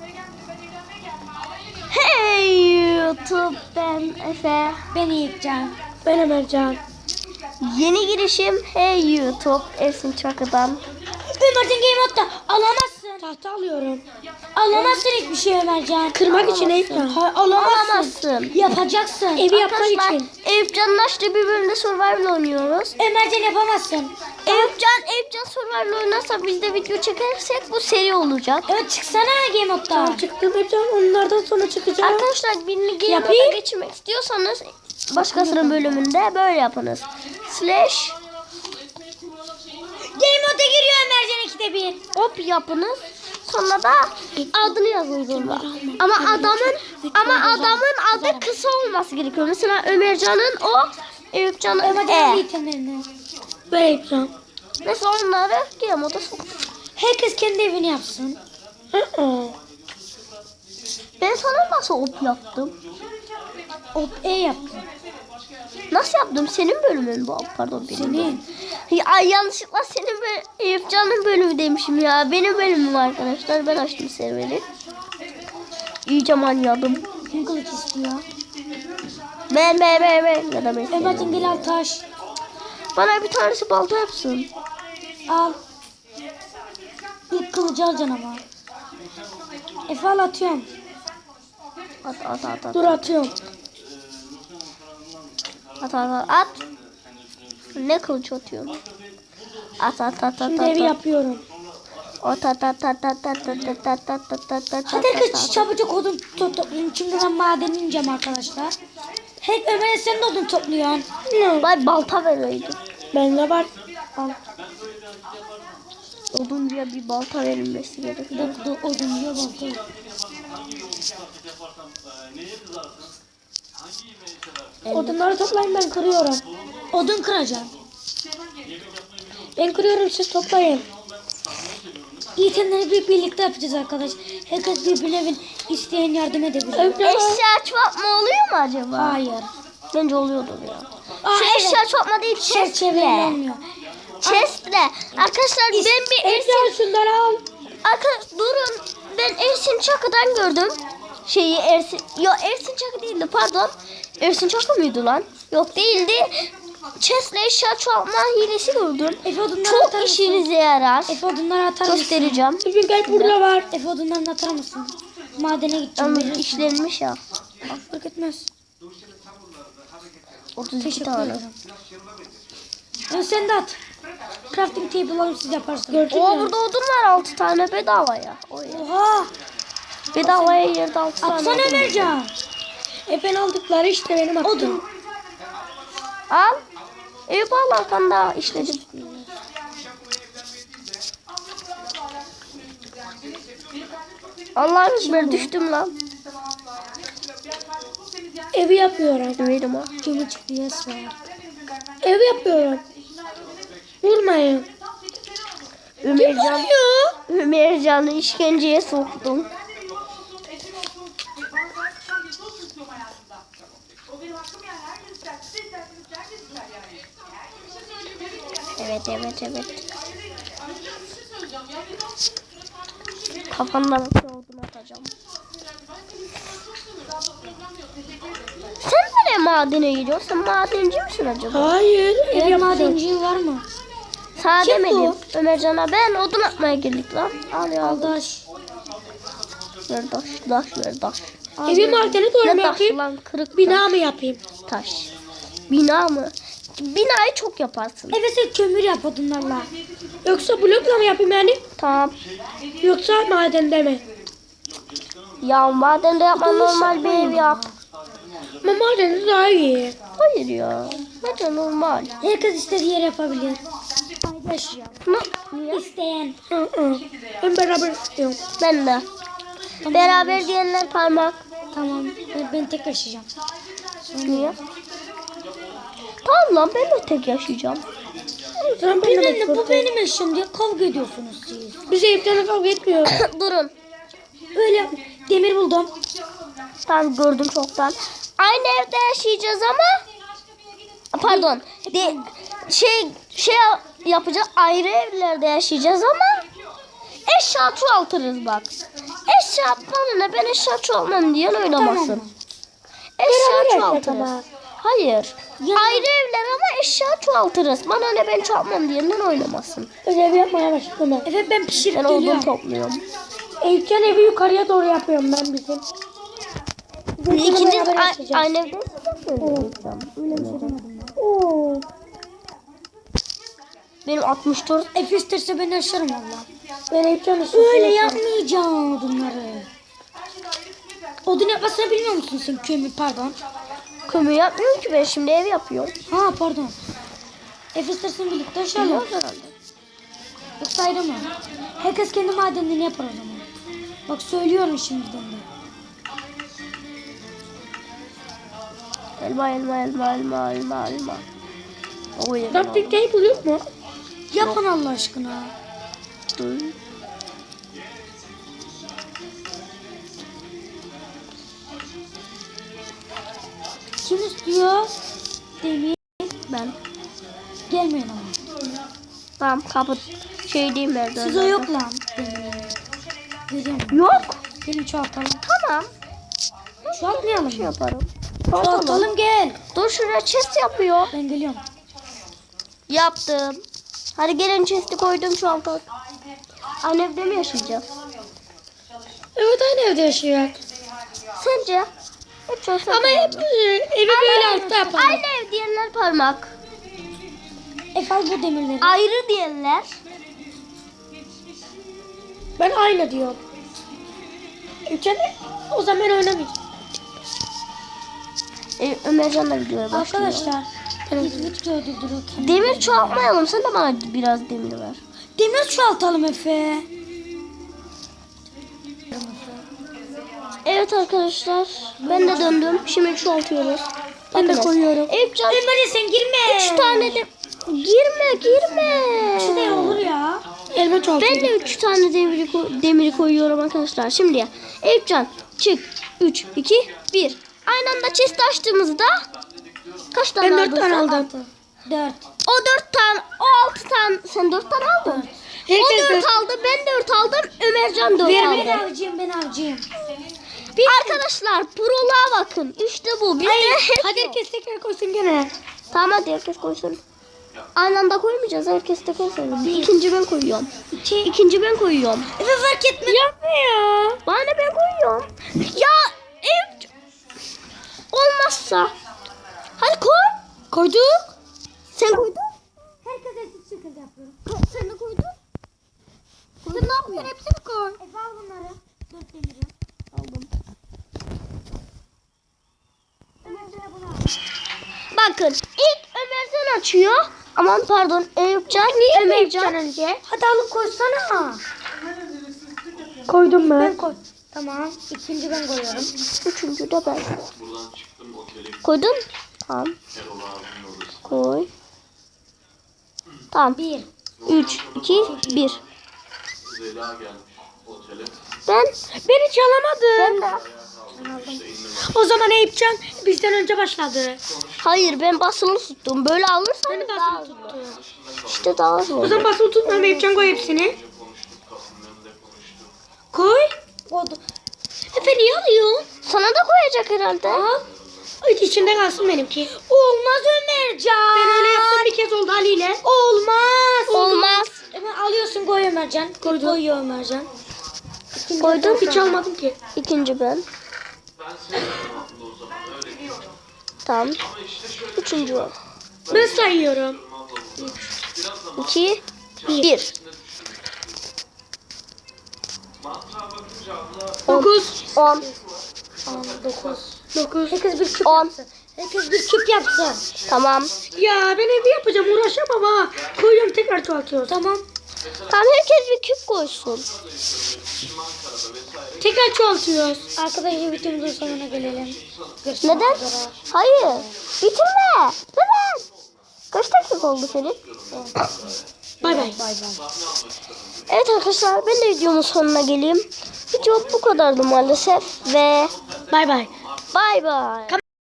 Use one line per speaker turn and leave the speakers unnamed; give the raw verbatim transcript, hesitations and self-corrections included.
Hey YouTube, ben Efe.
Ben Yiğitcan.
Ben Ömercan.
Yeni girişim Hey YouTube, Ersin Çakı'dan.
Ömercan Game Mode'da alamazsın.
Tahta alıyorum.
Alamazsın hiçbir şey Ömercan.
Kırmak için ekran.
Ha, alamazsın.
Alamazsın.
Yapacaksın.
Evi yapmak
Arkadaşlar,
için.
Eyüpcan'ın açtığı bir bölümde Survival oynuyoruz.
Ömercan yapamazsın.
Eyüpcan, Eyüpcan Survival oynarsa biz de video çekersek bu seri olacak.
Evet çıksana Game Mode'da.
Tamam, çıktım hepten onlardan sonra çıkacağım.
Arkadaşlar birini Game
Yapayım.
Mode'a geçirmek istiyorsanız başkasının bölümünde böyle yapınız. Slash
Game Mode'a giriyor Ömercan ikide bir.
hop yapınız. Sonra da adını yazın zorunda. Ama adamın ama adamın adı kısa olması gerekiyor. Mesela Ömercan'ın o, Eyüpcan'ın
Ömercan'ın
E.
itemlerini.
Ben yapacağım.
Mesela onları Game Mode'a soktuk.
Herkes kendi evini yapsın.
Hı-hı.
Ben sana nasıl hop yaptım?
Hop E yaptı.
Nasıl yaptım? Senin bölümün bu. Pardon benim.
Senin.
Ya, ay, yanlışlıkla senin böl Eyüpcan'ın bölümü demişim ya. Benim bölümüm arkadaşlar. Ben açtım serveri. İyice manyadım.
Kim kılıç istiyor?
Ben ben ben ben. Ya da ben
Ömercan
senin.
gel al taş.
Bana bir tanesi balta yapsın.
Al. İlk kılıcı alacaksın ama. Efe al atıyorum.
At at at at.
Dur atıyorum.
At at at. At. Ne kılıç atıyorsun? At at at at
Şimdi
at.
evi
at.
yapıyorum.
At at at at at at at at at at at at.
Hadi herkes çabucak odun to toplayın. Çünkü ben maden ineceğim arkadaşlar. Hep Ömer'e sen de odun topluyorsun.
Vay balta vereydi.
Bende var.
Al. Oduncuya bir balta verilmesi gerekiyor.
Dur dur odun yiyor balta.
Odunları toplayın, ben kırıyorum.
Odun kıracağım.
Ben kırıyorum, siz toplayın.
İtemleri bir birlikte yapacağız arkadaş. Herkes birbirine bir isteyen yardım edebilir.
Eşya çoğaltma oluyor mu acaba?
Hayır.
Bence oluyordur ya.
Aa,
Şu
evet.
eşya çoğaltma değil,
Çerçeveyle
chestle.
olmuyor.
Chestle. Arkadaşlar ben bir
Ersin
Ersin...
şunları al.
Arkadaşlar durun. Ben Ersin Çakı'dan gördüm. Şeyi Ersin... Yok Ersin Çakı değildi, pardon. Ersin Çakı mıydı lan? Yok değildi. Chestle eşya çoğaltma hilesi gördüm.
Efe odunları
Çok
atar mısın?
işinize yarar.
Efe odunları atar mısın?
Göstereceğim.
Bir gel, burada var.
Efe odunlarını atar mısın? Madene gideceğim.
Ama
verirsin.
işlenmiş ya.
Fark etmez.
otuz iki
Teşekkür
tane.
ederim. Ya sen de at. Crafting table alıp siz yaparsınız.
Gördün
Oo,
mü?
burada odun var altı tane bedavaya. Oy.
Oha.
Bedavaya yerde altı tane
Atsana
odun.
Ömercan.
E ben aldıkları işte benim attım.
Odun.
Al. Eyüp al arkanda işledim. Allah'ım ekber düştüm lan.
Evi yapıyorum.
Verim ha.
Gemi çıktı yes be.
Evi yapıyorum. Vurmayın.
Ömercan,
Vuruyor.
Ömercan'ı işkenceye soktum. Evet evet evet. Kafandan bir odun atacağım. Sen nereye madene gidiyorsun? Sen madenci misin acaba?
Hayır. Ev
Ev
yapacağım.
madenciği var mı?
Sana
Kim
demedim.
bu?
Ömercan'a ben odun atmaya girdik lan. Al ya.
Aldaş.
Ver taş, taş ver taş.
Evi madeni doğru
Ne
mu
taş
yapayım?
lan, kırık
Bina mı yapayım?
taş. Bina mı? Binayı çok yaparsın.
Eve sen kömür yap odunlarla.
Yoksa blokla mı yapayım yani?
Tamam.
Yoksa madende mi?
Ya madende yapma, normal bir ev yap.
Ama madende daha iyi.
Hayır ya. Bence normal.
Herkes istediği yere yapabilir. Paylaş ya.
Ne? Niye?
İsteyen.
Hı hı. Ben beraber istiyorum.
Ben de. Beraber diyenler parmak.
Tamam. Ben, ben tek yaşayacağım.
Niye? Tamam lan, ben de tek yaşayacağım.
Sen
Bir
benimle
de bu benim eşim diye kavga ediyorsunuz siz.
Biz evden kavga etmiyoruz.
Durun.
Öyle demir buldum.
Tamam, gördüm çoktan. Aynı evde yaşayacağız ama pardon. De, şey şey yapacağız. Ayrı evlerde yaşayacağız ama eşya çoğaltırız bak. eşya atmanına ben eşya çoğalmam diyen oynamasın.
Tamam.
Eşya
Beraber
çoğaltırız.
yaşamak.
Hayır.
Ya-
Ayrı evler ama eşya çoğaltırız. Bana ne ben çoğalmam diyenden oynamasın.
Ödev yapmaya başladım.
Evet ben pişirip
Ben odun
geliyorum.
topluyorum.
Eyüpcan evi yukarıya doğru yapıyorum ben bizim. Bizim
İkiniz
beraber
a-
yaşayacağız.
aynı evde
Oo.
benim altmış dört
Efe isterse beni aşarım valla.
Ben Eyüpcan
Öyle yapmayacağım odunları. Odun yapmasını bilmiyor musun sen kömür pardon.
kömür yapmıyorum ki ben şimdi ev yapıyorum.
Ha pardon. Efe istersen birlikte aşarım.
Biliyorum herhalde.
Yoksa ayrı mı? Herkes kendi madenini yapar o zaman. Bak söylüyorum şimdiden de.
Elma elma elma elma elma elma. O yemin
Crafting table yok mu?
Yapın Allah aşkına.
Hı.
Kim istiyor? Demir.
Ben.
Gelmeyin ama.
Tamam kapı şey diyeyim ben.
Size yok lan. Demir. Veriyorum.
Yok.
Gelin çoğaltalım.
Tamam.
Çoğaltmayalım.
Şey yaparım.
Çoğaltalım gel.
Dur şuraya chest yapıyor.
Ben geliyorum.
Yaptım. Hadi gelin chest'i koydum şu an kalk. Aynı evde mi yaşayacağız?
Evet aynı evde yaşıyor.
Sence? Hep çok
Ama hep e, evi böyle altta yapalım.
Aynı ev diyenler parmak.
Efe al bu demirleri.
Ayrı diyenler.
Ben aynı diyorum. Eyüpcan o zaman ben oynamayacağım.
E, Ömercan da videoya başlıyor.
Arkadaşlar. Biz video öldürdürürken.
Demir çoğaltmayalım. Sen de bana biraz demir ver.
Demir çoğaltalım Efe.
Evet arkadaşlar. Ben de döndüm. Şimdi çoğaltıyoruz.
Ben de
Bakın.
koyuyorum.
Eyüpcan
Ömer'e sen girme.
üç tane de... Girme girme.
Ne olur ya.
Elma çoğaltıyorum.
Ben de üç tane demiri, ko- demiri koyuyorum arkadaşlar. Şimdi ya. Eyüpcan çık. üç, iki, bir. Aynı anda chest açtığımızda kaç tane
Ben
aldın
dört tane
sen?
aldım.
Dört.
O dört tane, o altı tane. Sen dört tane aldın.
Herkes
o dört
dört.
aldı, ben dört aldım. Ömercan dört
Ben
aldı.
avcıyım ben avcıyım.
Arkadaşlar proluğa bakın. İşte bu. Biz de
Hadi herkes tekrar koysun gene.
Tamam hadi herkes koysun. Aynı anda koymayacağız. Herkes de koysun. Bir ikinci ben koyuyorum. İki, ikinci ben koyuyorum.
Efe fark etme.
Yapma ya.
Bana ne ben koyuyorum. Ya ev olmazsa. Hadi koy.
Koyduk.
Sen koydun.
Herkes eşit şekilde yapıyorum.
Sen de koydun. Sen ne yapıyorsun? Hepsini koy.
Efe al bunları. Dört demiri.
Aldım.
Ömer sana bunu al.
Bakın ilk Ömercan açıyor. Aman pardon Eyüpcan. Ömercan.
önce.
Hadi alıp koysana.
Koydum
Ben
ben.
koy. Tamam. İkinci ben koyuyorum.
Üçüncü de ben. Koydun? Tamam. Koy. Tamam.
Bir.
Üç, iki, bir.
Zeyla gelmiş otele.
Ben.
Ben hiç alamadım.
Ben de.
O zaman Eyüpcan bizden önce başladı.
Hayır ben basılı tuttum. Böyle alırsan
Ben de
daha
basılı
hızlı.
tuttum.
İşte daha hızlı.
O zaman basılı tutmam Eyüpcan koy hepsini.
Konuştuk kapının önünde konuştuk.
Koy.
Oldu.
Efe niye alıyorsun?
Sana da koyacak herhalde.
Al. Ay, içinde kalsın benimki.
Olmaz Ömercan.
Ben öyle yaptım bir kez oldu Ali ile.
Olmaz.
Olmaz.
Ömer alıyorsun koy Ömercan.
Koydum.
Koyuyor Ömercan.
Koydun.
Hiç almadım ki.
İkinci ben.
Ben sevmiyorum abla o zaman öyle değil.
Tamam.
Ama işte şöyle
Üçüncü o.
Ben sayıyorum.
abla bu. Biraz da
İki, bir.
mantığa bakınca abla
Dokuz.
On.
Tamam dokuz.
Dokuz.
Herkes bir küp
On.
yapsın. Herkes bir küp yapsın.
Tamam.
Ya ben evi yapacağım uğraşamam ha. Koyuyorum tekrar çoğaltıyorum.
Tamam.
Tamam herkes bir küp koysun.
Tekrar çoğaltıyoruz.
Arkadaşlar videomuzun sonuna gelelim. Görüşmek
Neden?
üzere.
Hayır. Bitirme. Neden? Kaç dakika oldu senin?
Bay bay.
Bay bay.
Evet arkadaşlar ben de videomun sonuna geleyim. Video bu kadardı maalesef ve
Bay bay.
bay bay.